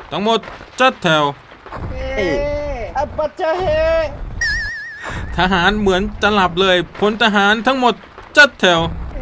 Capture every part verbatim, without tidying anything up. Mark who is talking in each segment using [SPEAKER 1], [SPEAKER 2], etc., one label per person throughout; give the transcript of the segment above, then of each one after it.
[SPEAKER 1] ทั้งหมดจัดแถว
[SPEAKER 2] เฮ้อัปปะเจเฮ
[SPEAKER 1] ทหารเหมือนจะหลับเลยพลทหารทั้งหมดจัดแถว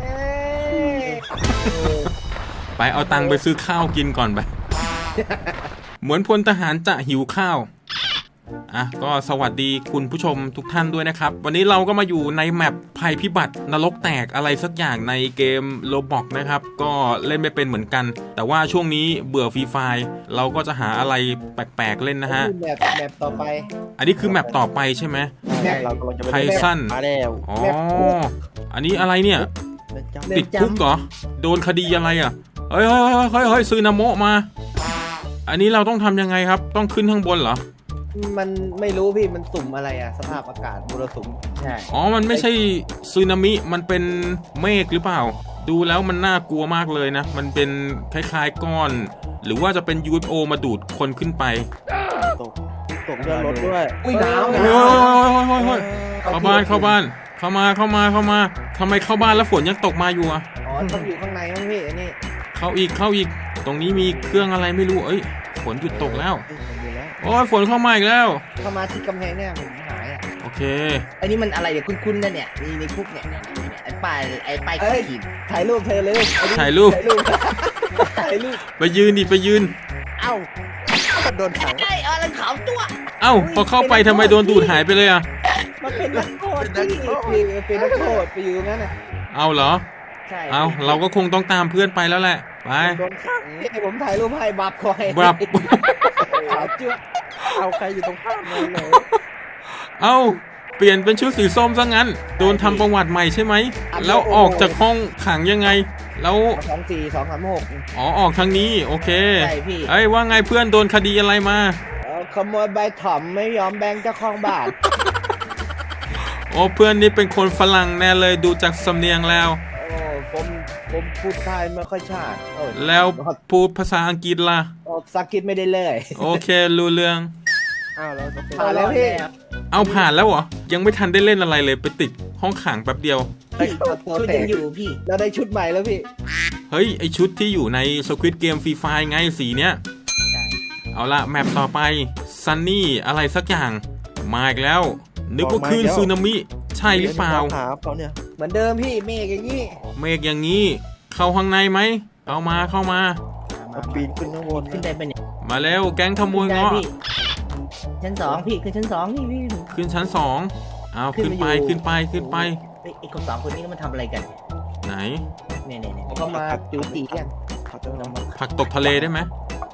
[SPEAKER 1] ไปเอาตังค์ไปซื้อข้าวกินก่อนไปเหมือนพลทหารจะหิวข้าวอ่ะก็สวัสดีคุณผู้ชมทุกท่านด้วยนะครับวันนี้เราก็มาอยู่ในแมปภัยพิบัตินรกแตกอะไรสักอย่างในเกม Roblox นะครับก็เล่นไม่เป็นเหมือนกันแต่ว่าช่วงนี้เบื่อฟรีไฟล์เราก็จะหาอะไรแปลกๆเล่นนะฮะ
[SPEAKER 2] แมปแมปต่อไป
[SPEAKER 1] อันนี้คือแมปต่อไปใช่ไหม
[SPEAKER 2] แมปเรากำลังจะไป
[SPEAKER 1] ไพซัน
[SPEAKER 3] มาแล้ว
[SPEAKER 1] อ๋ออันนี้อะไรเนี่ยติดคุกเหรอโดนคดีอะไรอ่ะเฮ้ยเฮ้ยเฮ้ยเฮ้ยซื้อนาโมมาอันนี้เราต้องทำยังไงครับต้องขึ้นข้างบนเหรอ
[SPEAKER 2] มันไม่รู้พี่มันสุ่มอะไรอ่ะสภาพอากาศมรสุมใช่
[SPEAKER 1] อ๋อมันไม่ใช่สึนามิมันเป็นเมฆหรือเปล่าดูแล้วมันน่ากลัวมากเลยนะมันเป็นคล้ายๆก้อนหรือว่าจะเป็น ยู เอฟ โอ มาดูดคนขึ้นไป
[SPEAKER 3] ตกตกเรือรถด้วย
[SPEAKER 2] อุ้ยหนาวหน
[SPEAKER 1] าวเข้าบ้านเข้าบ้านเข้ามาเข้ามาเข้ามาทำไมเข้าบ้านแล้วฝนยังตกมาอยู่อ่ะ
[SPEAKER 2] อ๋อต้องอยู่ข้างในมั้งพี่อันนี้
[SPEAKER 1] เข้าอีกเข้าอีกตรงนี้มีเครื่องอะไรไม่รู้เอ้ยฝนหยุดตกแล้วโอ้ยฝนเข้ามาอีกแล้ว
[SPEAKER 2] เข้ามาที่กำแพงเนี่ยผมหายอ่ะ
[SPEAKER 1] โอเค
[SPEAKER 4] อันนี้มันอะไรเดี๋ยวคุ้นๆนะเนี่ยมีในคุกเนี่ยไอ้ป้ายไอ้ป้ายขีด
[SPEAKER 2] ถ่ายรูปเธอเลย
[SPEAKER 1] ถ่ายรูป
[SPEAKER 2] ถ่ายรูป
[SPEAKER 1] ไปยืนดิไปยืน
[SPEAKER 2] เอ้า
[SPEAKER 4] โดนขังไอ้อะไรขาวตัว
[SPEAKER 1] เอ้าพอเข้าไปทำไมโดนดูดหายไปเลยอ่ะ
[SPEAKER 2] มันเป็นนักโทษที่เป็นนักโทษไปอยู่งั้นน่ะ
[SPEAKER 1] เอาเหรอใช่เอาเราก็คงต้องตามเพื่อนไปแล้วแหละไป
[SPEAKER 2] โดนขังนี่ผมถ่ายรูปให้บับคอย
[SPEAKER 1] บับ
[SPEAKER 2] ขาวเจื้อเอาใครอยู่ตรงข้ามเลยเลย
[SPEAKER 1] เอาเปลี่ยนเป็นชุดสีส้มซะงั้นโดนทำประวัติใหม่ใช่ไหมแล้วออกจากห้องขังยังไงแล้ว
[SPEAKER 2] สองสี่สองสามหก
[SPEAKER 1] อ๋อออกทางนี้โอเค
[SPEAKER 2] ใช่พี่
[SPEAKER 1] เอ้ยว่าไงเพื่อนโดนคดีอะไรมา
[SPEAKER 2] ขโมยใบถ่อมไม่ยอมแบ่งเจ้าของบ้าน
[SPEAKER 1] โอ้เพื่อนนี่เป็นคนฝรั่งแน่เลยดูจากสำเนียงแล้ว
[SPEAKER 2] โอ้ผมผมพูดไทยไม่ค่อยชัด
[SPEAKER 1] แล้วพูดภาษาอังกฤษล่ะ
[SPEAKER 2] ภาษาอังกฤษไม่ได้เลย
[SPEAKER 1] โอเครู้เรื่อง
[SPEAKER 2] อ้าวเราผ่านแล้วพี่
[SPEAKER 1] เอาผ่านแล้วเหรอยังไม่ทันได้เล่นอะไรเลยไปติดห้องขังแป๊บเดียว
[SPEAKER 2] ชุดยังอยู่พี่เราได้ชุดใหม่แล้วพี่
[SPEAKER 1] เฮ้ยไอชุดที่อยู่ใน Squid Game Free Fire ไงสีเนี้ยใช่เอาละแมปต่อไปซันนี่อะไรสักอย่างมาอีกแล้วนึกว่าคลื่นสึนามิใช่หรือเปล่า
[SPEAKER 2] เหมือนเดิมพี่เมฆอย่างนี้
[SPEAKER 1] เมฆอย่างนี้เข้าข้างในไหมเอามาเข้ามา
[SPEAKER 3] ปีนขึ้นข้างบน
[SPEAKER 4] ขึ้นได้เป็น
[SPEAKER 1] มาแล้วแก๊งขโมยเงาะ
[SPEAKER 4] ชั้นสองพี่ขึ้นชั้นสองนี่พี่
[SPEAKER 1] ขึ้นชั้นสองเอาขึ้นไปขึ้นไปขึ้นไป
[SPEAKER 4] ไอ้คนสองคนนี้ก็มาทำอะไรกัน
[SPEAKER 1] ไหน
[SPEAKER 4] เนี่ยเนี่ยเนี่ย
[SPEAKER 2] เขามาจูตีกัน
[SPEAKER 1] ผักตกทะเลได้ไหม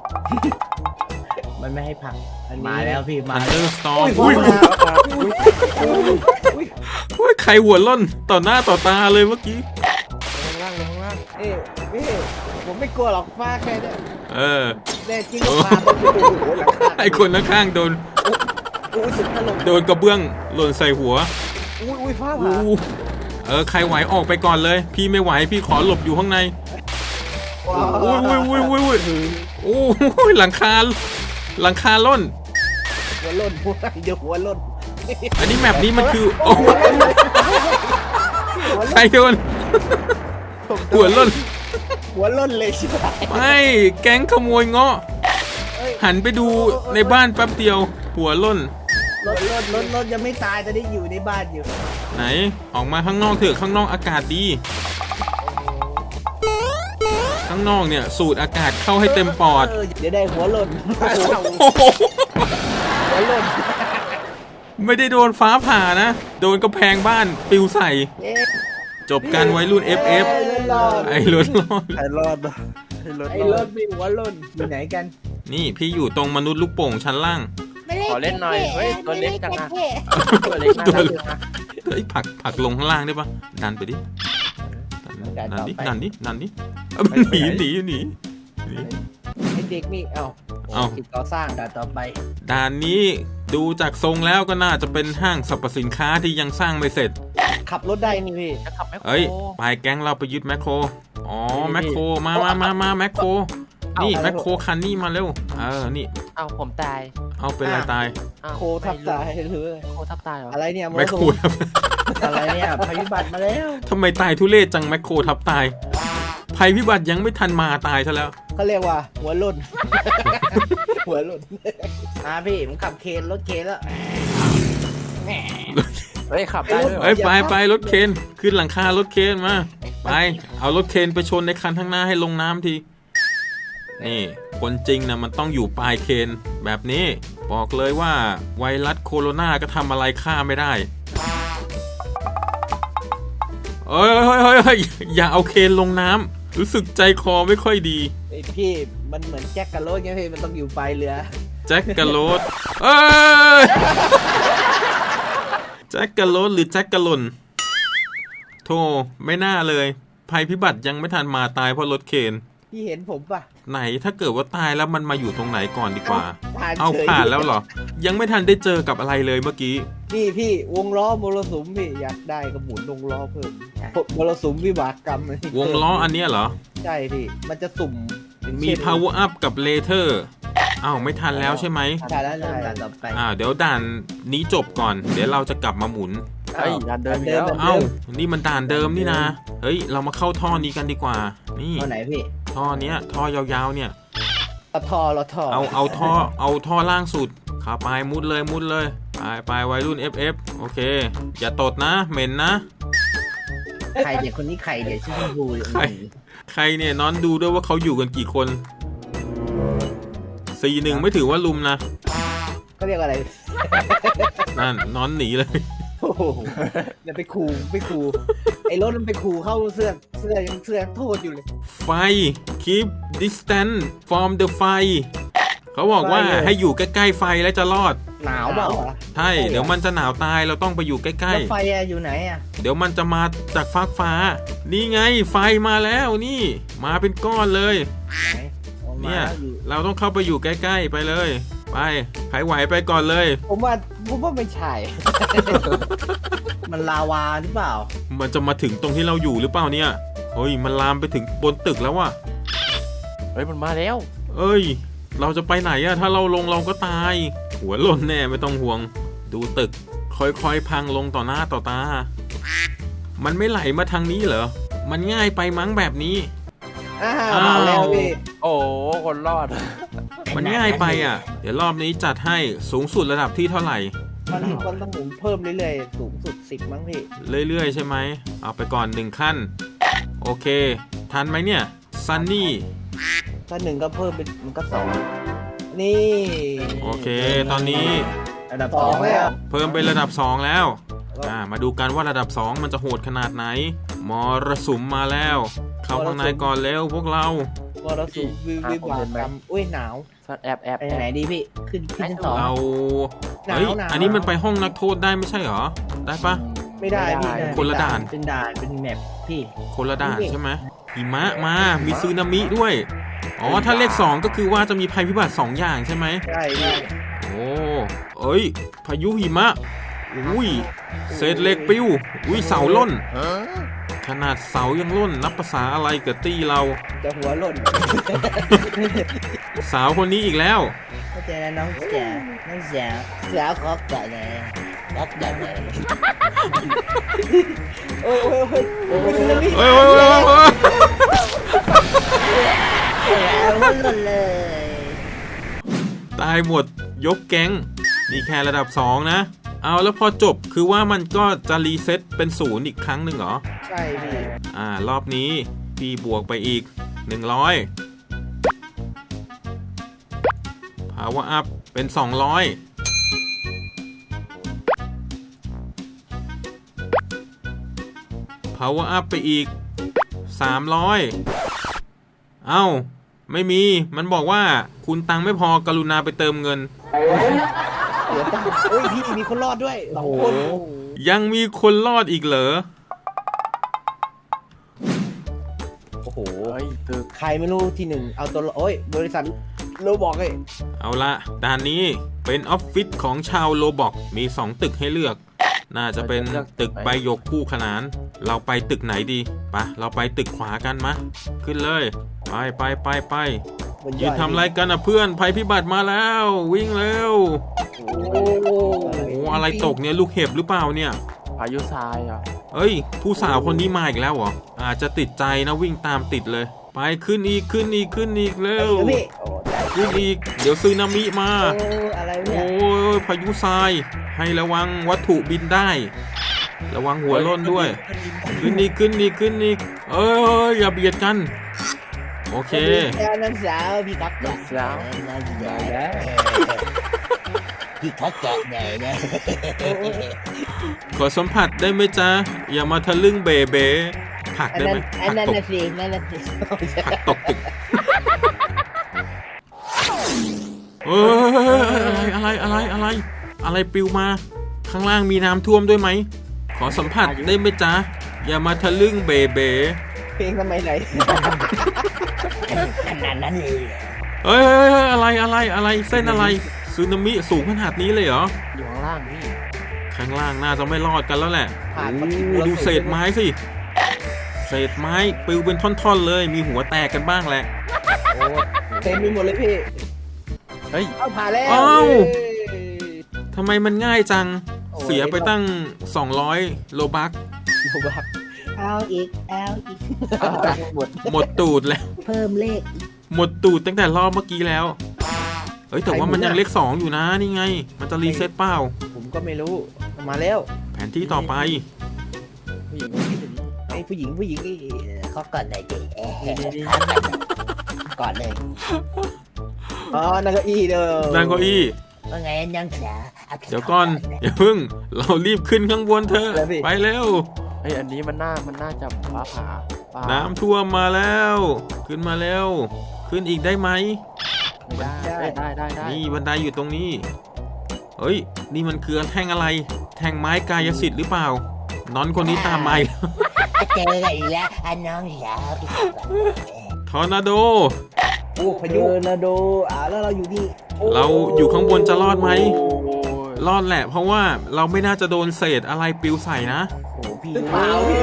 [SPEAKER 4] มันไม่ให้ผักมาแล้วพี่มา
[SPEAKER 1] เออสตอร์อุ้ยอุ้ยใครหัวล่นต่อหน้าต่อตาเลยเมื่อกี้
[SPEAKER 2] ลงล่างลงล่างเอ้ยพี่ผมไม่กลัวหรอกฟ้าแค่นี้
[SPEAKER 1] เออ
[SPEAKER 2] แน่จริงก็ฟ้า
[SPEAKER 1] ไอ้คนข้างๆโดนโดนกระเบื้องหล่นใส่หัว
[SPEAKER 2] อุ้ยอุ้ยฟ้าผ่า
[SPEAKER 1] เออใครไหวออกไปก่อนเลยพี่ไม่ไหวพี่ขอหลบอยู่ข้างในอุ้ยอุ้ยอุ้ยอุ้ยโอ้ยหลังคาหลังคาล่น
[SPEAKER 2] หัวล่นหัวเดี๋ยวหัวล่น
[SPEAKER 1] อันนี้แมปนี้มันคือโอ้ใครโดนหัวล่น
[SPEAKER 2] หัวล่นเลยใช่ไหม
[SPEAKER 1] ไม่แก๊งขโมยเงาะหันไปดูในบ้านแป๊บเดียวหัวล่น
[SPEAKER 2] รถรถรถรถยังไม่ตายแต่ได้อยู่ในบ้านอยู่
[SPEAKER 1] ไหนออกมาข้างนอกเถอะข้างนอกอากาศดีข้างนอกเนี่ยสูดอากาศเข้าให้เต็มปอด
[SPEAKER 2] เดี๋ยวได้หัวล่นหัวล่น
[SPEAKER 1] ไม่ได้โดนฟ้าผ่านะโดนกระแพงบ้านปิวใส่จบการไว้รุ่น เอฟ เอฟ ไอ้รถรอด
[SPEAKER 3] ไอ้รอด
[SPEAKER 2] ไอ้รถมีหัวล่นอยู่ไหนกัน
[SPEAKER 1] นี่พี่อยู่ตรงมนุษย์ลูกโป่งชั้นล่าง
[SPEAKER 3] ขอเล่นหน่อยเฮ้ยตัวเล็กจังอะ
[SPEAKER 1] ตัวเล็กตัวเล็กเฮ้ยผักผักลงข้างล่างได้ปะดันไปดิดันดิดันดิดันดิหนีหนีหนี
[SPEAKER 2] ไอเด็กนี่เอา
[SPEAKER 1] เอา
[SPEAKER 2] ก่อสร้างด่านต่อไป
[SPEAKER 1] ด่านนี้ดูจากทรงแล้วก็น่าจะเป็นห้างสรรพสินค้าที่ยังสร้างไม่เสร็จ
[SPEAKER 2] ขับรถได้นี่พี่
[SPEAKER 4] จะขับแมคโคร
[SPEAKER 1] เฮ้ยไปแก๊งเราไปยึดแมคโครอ๋อแมคโครมามามามาแมคโครนี่แมคโครคันนี้มาเร็วเออนี่
[SPEAKER 4] เอาผมตาย
[SPEAKER 1] เอาเป็นอะไรตาย
[SPEAKER 2] โคทับตายหรือ
[SPEAKER 4] โคทับตายเหรอ
[SPEAKER 2] อะไรเนี่ย
[SPEAKER 1] แมคโคร
[SPEAKER 2] อะไรเนี่ยภัยพิบัติมาแล้ว
[SPEAKER 1] ทำไมตายทุเรศจังแมคโครทับตายภัยพิบัติยังไม่ทันมาตายซะแล้ว
[SPEAKER 2] เขาเรียกว่าหัวล่นหัวหล่น
[SPEAKER 4] มาพี่ผมขับเคนรถเคนแล้วแหม
[SPEAKER 3] เฮ้ยขับได้ด้วยเหรอ
[SPEAKER 1] เอ้ยไปไปรถเคนขึ้นหลังคารถเคนมาไปเอารถเคนไปชนในคันข้างหน้าให้ลงน้ำทีนี่คนจริงนะมันต้องอยู่ปลายเคนแบบนี้บอกเลยว่าไวรัสโคโรนาก็ทำอะไรข้าไม่ได้เอ้ยเฮ้ยเฮ้ยเฮ้ยอย่าเอาเคนลงน้ำรู้สึกใจคอไม่ค่อยดี
[SPEAKER 2] ไอพี่มันเหมือนแจ็คกับโรสไงพี่มันต้องอยู่ปลายเรือ
[SPEAKER 1] แจ็คกะโรดเอ้ยแจ็คกะโรดหรือแจ็คกะหล่นโธ่ไม่น่าเลยภัยพิบัติยังไม่ทันมาตายเพราะรถเคน
[SPEAKER 2] พี่เห็นผมปะ
[SPEAKER 1] ไหนถ้าเกิดว่าตายแล้วมันมาอยู่ตรงไหนก่อนดีกว่า
[SPEAKER 2] ผ่าน
[SPEAKER 1] เอา
[SPEAKER 2] เฉย
[SPEAKER 1] ผ่านแล้วเหรอ ยังไม่ทันได้เจอกับอะไรเลยเมื่อกี้
[SPEAKER 2] พี่พี่วงล้อมรสุมพี่อยากได้ก็หมุนวงล้อเพิ่มมรสุมวิบากกรรมอันนี้
[SPEAKER 1] วงล้ออันเนี้ยเหรอ
[SPEAKER 2] ใช่พี่มันจะสุ่มอย่าง
[SPEAKER 1] มี
[SPEAKER 2] เช่น
[SPEAKER 1] power up กับ later อ้าวไม่ทันแล้วใช่ไหม
[SPEAKER 2] ใช่แล้ว
[SPEAKER 4] เริ่
[SPEAKER 2] ใช่
[SPEAKER 4] มด่านต่อไป
[SPEAKER 1] อ่าเดี๋ยวด่านนี้จบก่อน เดี๋ยวเราจะกลับมาหมุน
[SPEAKER 3] เฮ้ยดันเดินอีกแล้ว
[SPEAKER 1] เอ้านี่มันด่านเดิมนี่นะเฮ้ยเรามาเข้าท่อนี้กันดีกว่า นี่
[SPEAKER 4] เอาไหนพี่
[SPEAKER 1] ท่อเนี้ยท่อยาวๆเนี่ย
[SPEAKER 2] เราทอเราทอ
[SPEAKER 1] เอาเอาท่อเอาท่อล่างสุดขาไปมุดเลยมุดเลยไปไปวัยรุ่น เอฟ เอฟ โอเค อย่าตดนะเหม็นนะ
[SPEAKER 4] ใครเด็กคนนี้ใครเด็กชื่อชมพูอยู่
[SPEAKER 1] ใคร ใครเนี่ยน้อนดูด้วยว่าเขาอยู่กันกี่คนสี่หนึ่งไม่ถือว่าลุมนะ
[SPEAKER 2] เขาเรียกอะไร
[SPEAKER 1] นั่นน้อนหนีเลย
[SPEAKER 2] โอ้โหอย่าไปขู่ไปขู่ไอ้รถมันไปขู่เข้าเสื้อเสื้อยังเสื้อยังโทษอยู่เลย
[SPEAKER 1] ไฟ keep distance from the ไฟเขาบอกว่า
[SPEAKER 2] ไฟเลย
[SPEAKER 1] ให้อยู่ใกล้ๆไฟแล้วจะรอด
[SPEAKER 4] หนาวเปล่า
[SPEAKER 2] เหรอ
[SPEAKER 1] ใช่เดี๋ยวมันจะหนาวตายเราต้องไปอยู่ใกล้
[SPEAKER 4] แล้วไฟอะอยู่ไหนอะ
[SPEAKER 1] ๆเดี๋ยวมันจะมาจากฟากฟ้า นี่ไงไฟมาแล้วนี่ มาเป็นก้อนเลย
[SPEAKER 2] ไหนออกมา
[SPEAKER 1] เนี่ย
[SPEAKER 2] อยู่
[SPEAKER 1] เราต้องเข้าไปอยู่ใกล้ๆไปเลย ไปใครไหวไปก่อนเลย
[SPEAKER 2] ผมว่าผมว่าไม่ใช่
[SPEAKER 4] มันลาวาหรือเปล่า
[SPEAKER 1] มันจะมาถึงตรงที่เราอยู่หรือเปล่าเนี่ยเฮ้ยมันลามไปถึงบนตึกแล้วว่ะ
[SPEAKER 3] เฮ้ยมันมาแล้ว
[SPEAKER 1] เอ้ย เราจะไปไหนอะถ้าเราลงเราก็ตาย หัวหล่นแน่ไม่ต้องห่วง ดูตึก ค่อยๆพังลงต่อหน้าต่อตา มันไม่ไหลมาทางนี้เหรอ มันง่ายไปมั้งแบบนี้
[SPEAKER 2] อ้าว
[SPEAKER 1] อ้าว
[SPEAKER 2] มาแล้วพี่
[SPEAKER 3] โอ้โหคนรอด
[SPEAKER 1] มันง่ายไปอ่ะ เดี๋ยวรอบนี้จัดให้สูงสุดระดับที่เท่าไหร่
[SPEAKER 2] มันมันต้องหมุนเพิ่มเรื่อยๆสูงสุดสิบมั้งพี่
[SPEAKER 1] เรื่อยๆใช่ไหม เอาไปก่อนหนึ่งขั้น โอเค ทันไหมเนี่ยซันนี่
[SPEAKER 2] ถ้าหนึ่งก็เพิ่มเป็นมันก็สองนี่
[SPEAKER 1] โอเค ตอนนี้
[SPEAKER 4] ระดับ
[SPEAKER 2] ส
[SPEAKER 4] ส
[SPEAKER 2] อ
[SPEAKER 4] อง ง
[SPEAKER 2] แล้
[SPEAKER 4] แล้ว ว
[SPEAKER 1] เพิ่มเป็นระดับสองแล้ว อ่า มาดูกันว่าระดับสองมันจะโหดขนาดไหน มรสุมมาแล้ว เข้าข้างในก่อนเร็วพวกเรา
[SPEAKER 2] มรสุมวิวิบากกรรมอุ้ยหนาว
[SPEAKER 3] แอบแอบ
[SPEAKER 4] ไปทางไหนดีพี่ ขึ้นขึ้นชั้นสอง
[SPEAKER 1] เรา
[SPEAKER 2] หนาว
[SPEAKER 1] เฮ้ย
[SPEAKER 2] หนาว
[SPEAKER 1] อันนี้มันไปห้องนักโทษได้ไม่ใช่เหรอ ได้ปะ
[SPEAKER 2] ไม่ได้พี่
[SPEAKER 1] คนละด่าน
[SPEAKER 4] เป็นด่านเป็นแมปพี่
[SPEAKER 1] คนละด่านใช่ไหมหิมะมา มีซึนามิด้วย อ๋อ ถ้าเลขสองก็คือว่าจะมีภัยพิบัติสองอย่างใช่ไหม
[SPEAKER 2] ใช่พี่
[SPEAKER 1] โอ้เอ้ย พายุหิมะ อุ้ย เศษเหล็กปิ้ว อุ้ย เสาล่น ขนาดเสายังล่น นับภาษาอะไรกับตี้เรา
[SPEAKER 2] จะหัวหล่น
[SPEAKER 1] สาวคนนี้อีกแล้ว
[SPEAKER 4] เข้าใจนะน้องจ๋าน้องจ๋าสาวขอบใจเลยรักใจเลย
[SPEAKER 2] โอ้ยโอ้ยโอ้ยโอ้ยสึนามิ
[SPEAKER 1] เฮ้ยเฮ้ยเฮ้ยเฮ้ย
[SPEAKER 4] เอาหล่นเลย
[SPEAKER 1] ตายหมดยกแก๊งนี่แค่ระดับสองนะ เอาแล้วพอจบคือว่ามันก็จะรีเซ็ตเป็นศูนย์อีกครั้งหนึ่งเหรอ
[SPEAKER 2] ใช่พี่
[SPEAKER 1] อ่ารอบนี้พี่บวกไปอีกหนึ่งร้อย power up เป็นสองร้อย power up ไปอีกสามร้อย เอ้า ไม่มีมันบอกว่าคุณตังค์ไม่พอกรุณาไปเติมเงิน
[SPEAKER 2] เสียตังค์โอ้ยพี่มีคนรอดด้วยสองคน
[SPEAKER 1] ยังมีคนรอดอีกเหรอ
[SPEAKER 2] โอ้โห
[SPEAKER 3] เฮ้ยตึก
[SPEAKER 2] ใครไม่รู้ที่หนึ่งเอาตัวโอ้ยบริษัทโรบอกเลย
[SPEAKER 1] เอาละด่านนี้เป็นออฟฟิศของชาวโลบอกมีสองตึกให้เลือก น่าจะเป็นตึกใบหยกคู่ขนาน เราไปตึกไหนดีปะเราไปตึกขวากันมะ ขึ้นเลย ไปไปไปไป
[SPEAKER 2] บน
[SPEAKER 1] ยืนทำอะไรกันอ่ะเพื่อนภัยพิบัติมาแล้ว วิ่งเร็ว
[SPEAKER 2] โอ้
[SPEAKER 1] โอ้อะไรตกเนี่ยลูกเห็บหรือเปล่าเนี่ย
[SPEAKER 3] พายุทรายอ่ะ
[SPEAKER 1] เอ้ย ผู้สาวคนนี้มาอีกแล้วเหรออาจจะติดใจนะวิ่งตามติดเลยไปขึ้นอีกขึ้นอีกขึ้นอีกเร็ว
[SPEAKER 2] ไอ้พี่โอ้
[SPEAKER 1] ขึ้นอีกเดี๋ยวซึนามิมา
[SPEAKER 2] โอ้อะไรเนี่
[SPEAKER 1] โอ้
[SPEAKER 2] ย
[SPEAKER 1] ยพายุทรายให้ระวังวัตถุบินได้ ระวังหัวโล้นด้วย ขึ้นอีกขึ้นอีกขึ้นอีกเอ้ยอย่าเบียดกัน โอเค
[SPEAKER 2] แล้วนักสาวพี่กัก
[SPEAKER 3] ลู
[SPEAKER 2] ก่อน
[SPEAKER 3] กสาว
[SPEAKER 4] นั่นแห
[SPEAKER 2] ได้
[SPEAKER 4] ละ
[SPEAKER 2] แล้ว
[SPEAKER 4] พี่เขาแกะไหนนะ
[SPEAKER 1] ขอสัมผัสได้ไหมจ๊ะ อย่ามาทะลึ่งเบเบผลัก
[SPEAKER 2] อัน
[SPEAKER 1] ได้
[SPEAKER 2] นั้
[SPEAKER 1] ไหม
[SPEAKER 2] น
[SPEAKER 1] ผ
[SPEAKER 2] อัน
[SPEAKER 1] ลัก
[SPEAKER 2] นั้น
[SPEAKER 1] ตก
[SPEAKER 2] น่ะสินั่นน่ะสิ
[SPEAKER 1] ผลักตกตึกเอ้ยอะไรอะไรอะไรอะไร อะไรปลิวมา ข้างล่างมีน้ำท่วมด้วยไหม ขอสัมผัสได้ไหมจ๊ะ อย่ามาทะลึ่งเบเบ
[SPEAKER 2] เพลงสมัยไหน
[SPEAKER 4] ขนาดนั้นเลย
[SPEAKER 1] เอ้ยเอ้ยเอ้ยอะไรอะไรอะไรเส้นอะไรสึนามิสูงขนาดนี้เลยเหรอ
[SPEAKER 3] อยู่ข้างล่างพี่
[SPEAKER 1] ข้างล่างน่าจะไม่รอดกันแล้วแหละ
[SPEAKER 2] ผ่านมา
[SPEAKER 1] โอ้ดูเศษไม้สิ เศษไม้ปลิวเป็นท่อนๆเลย มีหัวแตกกันบ้างแหละ
[SPEAKER 2] โอ้เต็มไปหมดเลยพี่
[SPEAKER 3] เฮ้ย
[SPEAKER 2] เอาผ่านแล้ว
[SPEAKER 1] เอ้า
[SPEAKER 2] เย้
[SPEAKER 1] ทำไมมันง่ายจัง
[SPEAKER 2] โอ้ย
[SPEAKER 1] เสียไปตั้ง สองร้อย โลบัก
[SPEAKER 2] โลบัก
[SPEAKER 4] เอาอีกเอาอีก
[SPEAKER 2] หมด
[SPEAKER 1] หมดตูดแล้ว
[SPEAKER 4] เพิ่มเลข
[SPEAKER 1] หมดตูดตั้งแต่รอบเมื่อกี้แล้ว เฮ้ยแต่ว่ามันยังเลขสองอยู่นะนี่ไง มันจะรีเซ็ตเปล่า
[SPEAKER 2] ผมก็ไม่รู้มาแล้ว
[SPEAKER 1] แผนที่ต่อไป
[SPEAKER 3] ผู้หญิงผู้หญิง
[SPEAKER 2] ไอ้ผู้หญิงผู้หญิงนี่
[SPEAKER 4] เขาก่อนหน่อยดิเอ๊ะ
[SPEAKER 3] นี่นี่
[SPEAKER 4] ก่อนเลย
[SPEAKER 2] อ๋อนั่งเก้าอี้เด้อ
[SPEAKER 1] นั่งเก้าอี้
[SPEAKER 4] ว่าไงยังสาวอา
[SPEAKER 1] เดี๋ยวก่อนอย่าเพิ่ง เรารีบขึ้นข้างบนเถอะไปเร็ว
[SPEAKER 3] เฮ้ยอันนี้มันน่ามันน่าจะฟ้าผ่าฟ้า
[SPEAKER 1] น้ำท่วมมาแล้ว ขึ้นมาแล้ว ขึ้นอีกได้ไหม
[SPEAKER 3] ไม่ได้ได้ได้ได้ได้
[SPEAKER 1] นี่บันไดอยู่ตรงนี้ เฮ้ย นี่มันคือแท่งอะไร แท่งไม้กายสิทธิ์หรือเปล่า น้อนคนนี้ตามมาอีกแล้ว
[SPEAKER 4] เจอกันอีกแล้วอันน้องสาวพี่
[SPEAKER 1] ทอร์นาโด
[SPEAKER 2] โอ้พายุนาโดอ่าแล้วเราอยู่นี่โ
[SPEAKER 1] เราอยู่ข้างบนจะรอดไหม
[SPEAKER 3] โอ้ย
[SPEAKER 1] รอดแหละ เพราะว่าเราไม่น่าจะโดนเศษอะไรปลิวใส่นะ
[SPEAKER 3] โอ้โหพี่
[SPEAKER 2] หรือเปล่าพี่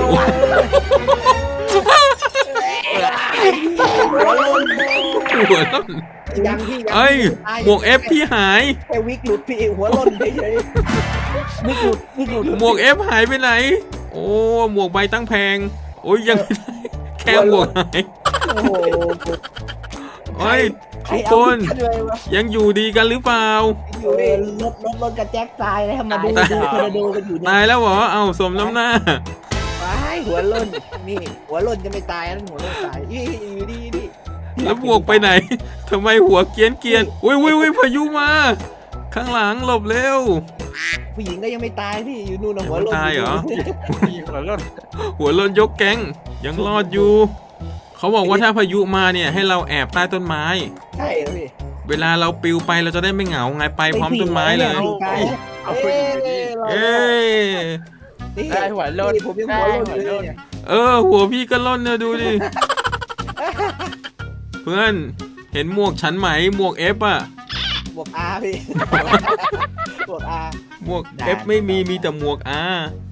[SPEAKER 1] หัวล้น
[SPEAKER 2] ยังพี่ยัง
[SPEAKER 1] เอ้ย หมวกเอฟพี่หาย
[SPEAKER 2] แค่วิกหลุดพี่หัวหล่นเฉยๆวิกหลุดวิกหลุด
[SPEAKER 1] หมวกเอฟหายไปไหน โอ้ หมวกใบตั้งแพง โอ้ยยังไม่ได้ แค่หมวกหาย
[SPEAKER 2] โอ้โห
[SPEAKER 1] เฮ้ย
[SPEAKER 2] ใคร
[SPEAKER 1] ทุก
[SPEAKER 2] เอา
[SPEAKER 1] คน
[SPEAKER 2] วิกเลยวะ
[SPEAKER 1] ยังอยู่ดีกันหรือเปล่า
[SPEAKER 2] อยู่ดิ
[SPEAKER 4] รถรถรถกระแจกตายแล้วมาดู
[SPEAKER 2] ตาย
[SPEAKER 4] ดูคอนโดกันอยู่เนี่ย
[SPEAKER 1] ตายแล้วเหรอ เอาสมน้ำหน้า
[SPEAKER 2] ว้ายหัวหล่นนี่หัวหล่นจะไม่ตายนั่นหัวหล่นตายนี่อยู่ดีนี่
[SPEAKER 1] แล้วบวกไปไหน ทำไมหัวเกรียนเกรียนอุ้ยอุ้ยอุ้ยพายุมา ข้างหลังหลบเร็ว
[SPEAKER 2] ผู้หญิงก็ยังไม่ตายพี่อยู่นู่นนะหัวหล่น
[SPEAKER 1] ยังไม่ตายเหรอ
[SPEAKER 3] ผู้หญิงหัวร้อน
[SPEAKER 1] หัวโลนยกแก๊งยังรอดอยู่ เขาบอกว่าถ้าพายุมาเนี่ยให้เราแอบใต้ต้นไม้
[SPEAKER 2] ใช่เหรอพี่
[SPEAKER 1] เวลาเราปลิวไปเราจะได้ไม่เหงาไงไปพร้อมต้นไม้เลย
[SPEAKER 3] เอาผู้หญิงอยู่ดี
[SPEAKER 1] เอ้ย
[SPEAKER 2] นี่
[SPEAKER 3] ได้หัวโล้น
[SPEAKER 2] นี่ผมยังหัวหล่นอยู่เลยเนี่ย
[SPEAKER 1] เออ หัวพี่ก็ล่นเนี่ยดูดิ เพื่อนเห็นหมวกฉันไหมหมวกเอฟอะ
[SPEAKER 2] บวกอาพี่บวกอา
[SPEAKER 1] หมวกเอฟไม่มีมีแต่หมวกอา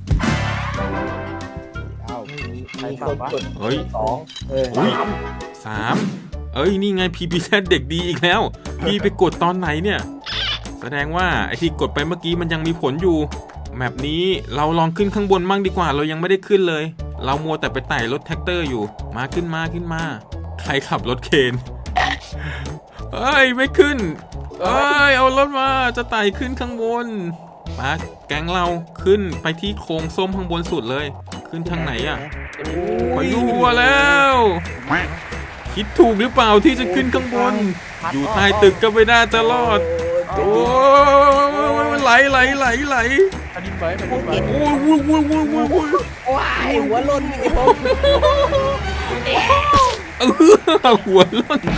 [SPEAKER 2] เอ้ามีมี
[SPEAKER 3] ใคร
[SPEAKER 2] มี
[SPEAKER 3] ต
[SPEAKER 2] ค
[SPEAKER 3] อบ
[SPEAKER 2] น
[SPEAKER 3] วะ
[SPEAKER 2] กด
[SPEAKER 1] เฮ้ย
[SPEAKER 2] สองเออ
[SPEAKER 1] อุ๊ย สามเอ้ยนี่ไงพีพีแซเด็กดีอีกแล้ว พี่ไปกดตอนไหนเนี่ย แสดงว่าไอที่กดไปเมื่อกี้มันยังมีผลอยู่แมปนี้เราลองขึ้นข้างบนมั่งดีกว่าเรายังไม่ได้ขึ้นเลย เรามัวแต่ไปไต่รถแท็กเตอร์อยู่ มาขึ้นมาขึ้นมา ใครขับรถเคนเอ้ยไม่ขึ้นเอ้ยเอารถมาจะไต่ขึ้นข้างบนมาแก๊งเราขึ้นไปที่โค้งส้มข้างบนสุดเลย ขึ้นทางไหนอะ พายุมาแล้ว คิดถูกหรือเปล่าที่จะขึ้นข้างบน อยู่ใต้ตึกก็ไม่น่าจะรอด โอ้ยไหลไหลไหลไหล
[SPEAKER 3] อันนี้ไหมอันนี้ไหม
[SPEAKER 1] โอ้ยวุ้ยวุ้ยวุ้ยวุ้ยวุ้ย
[SPEAKER 2] ว้ายหัวหล่นพี่ผม
[SPEAKER 1] เออหัวล้น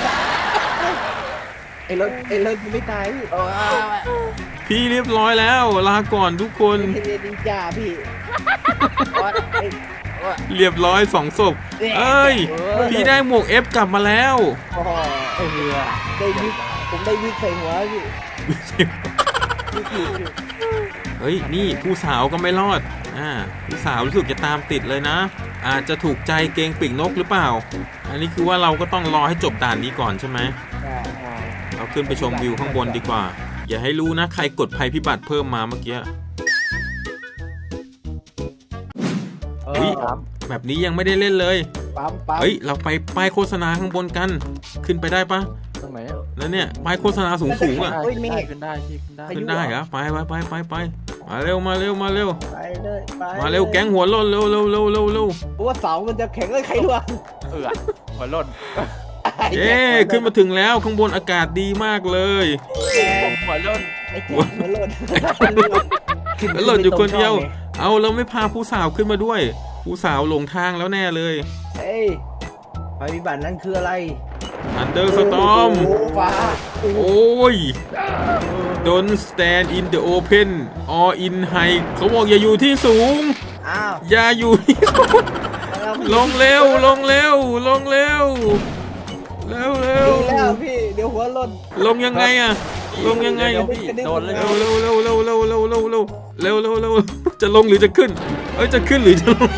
[SPEAKER 2] ไอ้รถไอ้รถมันไม่ตายพี่โอ้
[SPEAKER 1] พี่เรียบร้อยแล้ว ลาก่อนทุกคน
[SPEAKER 2] ยเรียนนินจาพี่โอ๊ยไอ้
[SPEAKER 1] เรียบร้อยสองศพเอ้ย พี่ได้หมวกเอฟกลับมาแล้ว
[SPEAKER 2] โอ้โห
[SPEAKER 3] เออ
[SPEAKER 2] ได้วิกผมได้วิกใส่หัวพี่วิกอยู่พี่
[SPEAKER 1] เฮ้ย นี่ผู้สาวก็ไม่รอด อ่า ผู้สาวรู้สึกจะตามติดเลยนะ อาจจะถูกใจเกงปีกนกหรือเปล่า อันนี้คือว่าเราก็ต้องรอให้จบด่านนี้ก่อนใช่ไหม เราขึ้นไปชมวิวข้างบนดีกว่า อย่าให้รู้นะใครกดภัยพิบัติเพิ่มมาเมื่อกี้
[SPEAKER 2] เอ
[SPEAKER 1] อุ๊ย
[SPEAKER 2] อ
[SPEAKER 1] แบบนี้ยังไม่ได้เล่นเลย
[SPEAKER 2] ปั๊มปั๊ม
[SPEAKER 1] เฮ้ยเราไปป้ายโฆษณาข้างบนกัน ขึ้นไปได้ปะ
[SPEAKER 3] ตรงไหนอ่ะ
[SPEAKER 1] แล้วเนี่ยป้ายโฆษณาสูงสูงๆอ่ะ
[SPEAKER 3] ได้
[SPEAKER 2] เฮ้ยเมฆ
[SPEAKER 3] ขึ้นได้พี่ขึ้นได้
[SPEAKER 1] ขึ้นได้เหรอไปไปไปไปไปมาเร็วมาเร็วมาเร็ว
[SPEAKER 2] ไปเลยไป
[SPEAKER 1] มาเร็วแก๊งหัวโล้นเร็วเร็วเร็วเร็วเร็ว
[SPEAKER 2] เพราะว่าเสามันจะแข็งเลยใครรู้อ่ะ
[SPEAKER 3] เออหัวหล่น
[SPEAKER 1] เย้ขึ้นมาถึงแล้วข้างบนอากาศดีมากเลย
[SPEAKER 3] ผมหัวหล่น
[SPEAKER 2] ไอ้แจ๊คหัวโลน
[SPEAKER 1] แล้วหล่นอยู่คนเดียว เอาเราไม่พาผู้สาวขึ้นมาด้วย ผู้สาวหลงทางแล้วแน่เลย
[SPEAKER 2] เฮ้ยไฟวิบัตินั้นคืออะไร
[SPEAKER 1] อันเดอร์สตอม
[SPEAKER 2] โอ้ฟ้า
[SPEAKER 1] โอ้ย Don't stand in the open or in high เขาบอกอย่าอยู่ที่สูง
[SPEAKER 2] อ้าว
[SPEAKER 1] อย่าอยู่ที่สูงลงเร็ว ลงเร็ว ลงเร็ว เร็วเร็ว
[SPEAKER 2] ดีแล้วพี่เดี๋ยวหัวโลน
[SPEAKER 1] ลงยังไงอะลงยังไง
[SPEAKER 3] เดี๋ยวพี่โดนเลย
[SPEAKER 1] เร็วเร็วเร็วเร็วเร็วเร็วเร็วเร็วเร็วเร็วเร็วจะลงหรือจะขึ้น เอ้ยจะขึ้นหรือจะลง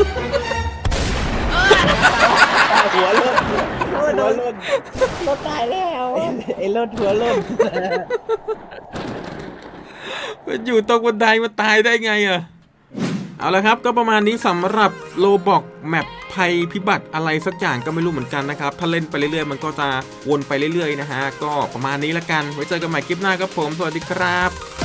[SPEAKER 2] หัวโลนหัวโลนรถตายแล้วไอ้รถหัวโลน
[SPEAKER 1] มันอยู่ตรงบันไดมาตายได้ไงอะเอาละครับก็ประมาณนี้สำหรับโลบอกแมปภัยพิบัติอะไรสักอย่างก็ไม่รู้เหมือนกันนะครับถ้าเล่นไปเรื่อยๆมันก็จะวนไปเรื่อยๆนะฮะก็ประมาณนี้ละกันไว้เจอกันใหม่คลิปหน้าครับผมสวัสดีครับ